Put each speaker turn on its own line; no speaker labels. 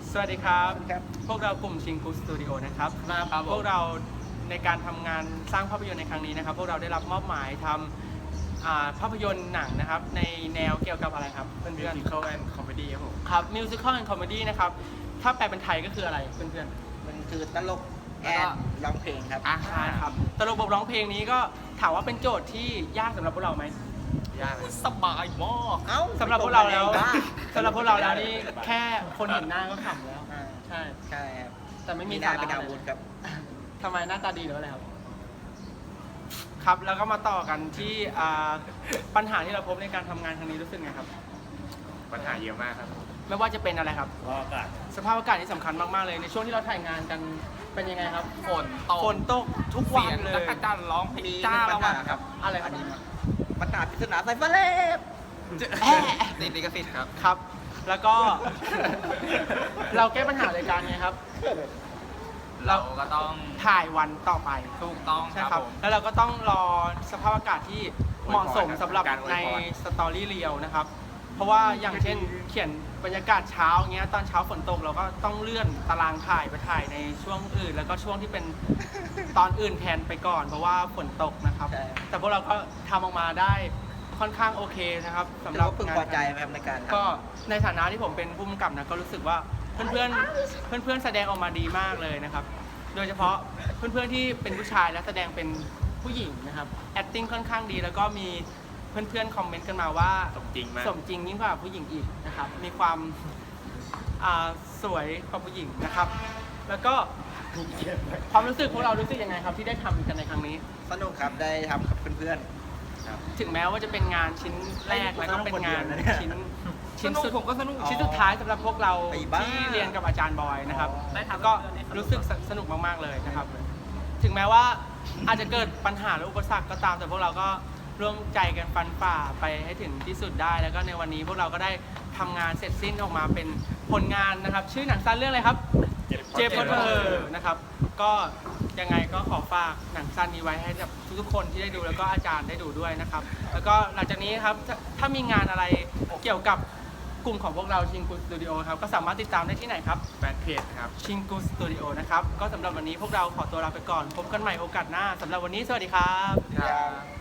สวัสดีครับ
ครับ
พวกเรากลุ่มชิงกูสตูดิโอนะครับ
ครับ
พวกเราในการทำงานสร้างภาพยนตร์ในครั้งนี้นะครับ พวกเราได้รับมอบหมายทำภาพยนตร์หนังนะครับในแนวเกี่ยวกับอะไรครับเพื่อน
Musical and Comedy ครับผม
ๆครับมิวสิคอลแอนด์คอมเมดี้นะครับถ้าแปลเป็นไทยก็คืออะไรเพื่อน
มันคือตลก
แล้
แอ
วก็
นร้องเพลงครับ
ๆใช่ครับตลกบทร้องเพลงนี้ก็ถามว่าเป็นโจทย์ที่ยากสำหรับพวกเราไหม
ยากเลย
สบายมาก
เอ้า
สำหรับพวกเราแล้ว
บ้า
สำหรับพวกเราแล้วนี่แค่คนเห็นหน้าก็ขำแล้ว
อ่า
ใช่
ใช่ครับ
แต่ไม่มี
หน้า
สาระ
เป็นอาวุธครับ
ทำไมหน้าตาดีหรืออะไรครับ ครับแล้วก็มาต่อกันที่ปัญหาที่เราพบในการทำงานครั้งนี้รู้สึกไงครับ
ปัญหาเยอะมากครับ
ไม่ว่าจะเป็นอะไรครับ
ก็อากาศ
สภาพอากาศที่สำคัญมากๆเลยในช่วงที่เราถ่ายงานกันเป็นยังไงครับ
ฝนตก
ฝนตกทุกวั
เสี
น
ยง
เล
จั
ย
กรจันทร์ร้องเพลง
มี
จ้า
ปั
แล้
ญ
ว
หา
อะ
ครับ
อะไรครับ
ปัญหาปริศนาสายฟ้าแลบ
แอะ
ติดลิขสิทธิ์ครับ
ครับ แล้วก็ เราแก้ปัญหาโดยการไงครับ
เราก็ต้อง
ถ่ายวันต่อไป
ถูกต้อง
ใช่
ค
ค
รั
รั
บบ ผม
แล้วเราก็ต้องรอสภาพอากาศที่เหมาะสมสำหรับ
การอวยพร
ในสตอรี่เรียลนะครับ เพราะว่าอย่างเช่นเขียนบรรยากาศเช้าเงี้ยตอนเช้าฝนตกเราก็ต้องเลื่อนตารางถ่ายไปถ่ายในช่วงอื่น แล้วก็ช่วงที่เป็นตอนอื่นแทนไปก่อน เพราะว่าฝนตกนะครับ
ใช่
แต่พวกเราก็ทำออกมาได้ค่อนข้างโอเคนะครับสำ
ถื
ห
อ
รับ
ว่าพึง
งาน
พอใจไหมครับในการ
ก็ในฐานะที่ผมเป็นผู้กำกับนะก็รู้สึกว่าเพื่อนๆแสดงออกมาดีมากเลยนะครับ โดยเฉพาะเพื่อนๆที่เป็นผู้ชายและแสดงเป็นผู้หญิงนะครับ acting ค่อนข้างดี แล้วก็มีเพื่อนๆคอมเมนต์กันมาว่า
สมจริงมาก
สมจริงยิ่งกว่าผู้หญิงอีกนะครับ มีความสวยกว่าผู้หญิงนะครับ แล้วก็ความรู้สึกพวกเรารู้สึกยังไงครับที่ได้ทำกันในครั้งนี้
สนุกครับได้ทำกับเพื่อน
ถึงแม้ว่าจะเป็นงานชิ้นแรกแล้วก็เป็นงานชิ้น
สนุกผมก็สนุก
ชิ้นสุดท้ายสำหรับพวกเราที่เรียนกับอาจารย์บอยนะครับ
ได้ทำ
ก็รู้สึกสนุกมากๆเลยนะครับ ถึงแม้ว่าอาจจะเกิดปัญหาหรืออุปสรรคก็ตามแต่พวกเราก็ร่วมใจกันฟันฝ่าไปให้ถึงที่สุดได้ แล้วก็ในวันนี้พวกเราก็ได้ทำงานเสร็จสิ้นออกมาเป็นผลงานนะครับ ชื่อหนังสั้นเรื่องอะไรครับ เจฟพอตเตอร์นะครับ ก็ยังไงก็ขอฝากหนังสั้นนี้ไว้ให้กับทุกๆคนที่ได้ดูแล้วก็อาจารย์ได้ดูด้วยนะครับ แล้วก็หลังจากนี้ครับถ้ามีงานอะไรเกี่ยวกับกลุ่มของพวกเราชิงกูสตูดิโอครับก็สามารถติดตามได้ที่ไหนครับ
แฟนเพจครับ
ชิงกูสตูดิโอนะครับก็สำหรับวันนี้พวกเราขอตัวลาไปก่อนพบกันใหม่โอกาสหน้าสำหรับวันนี้สวัสดีครับ
ๆ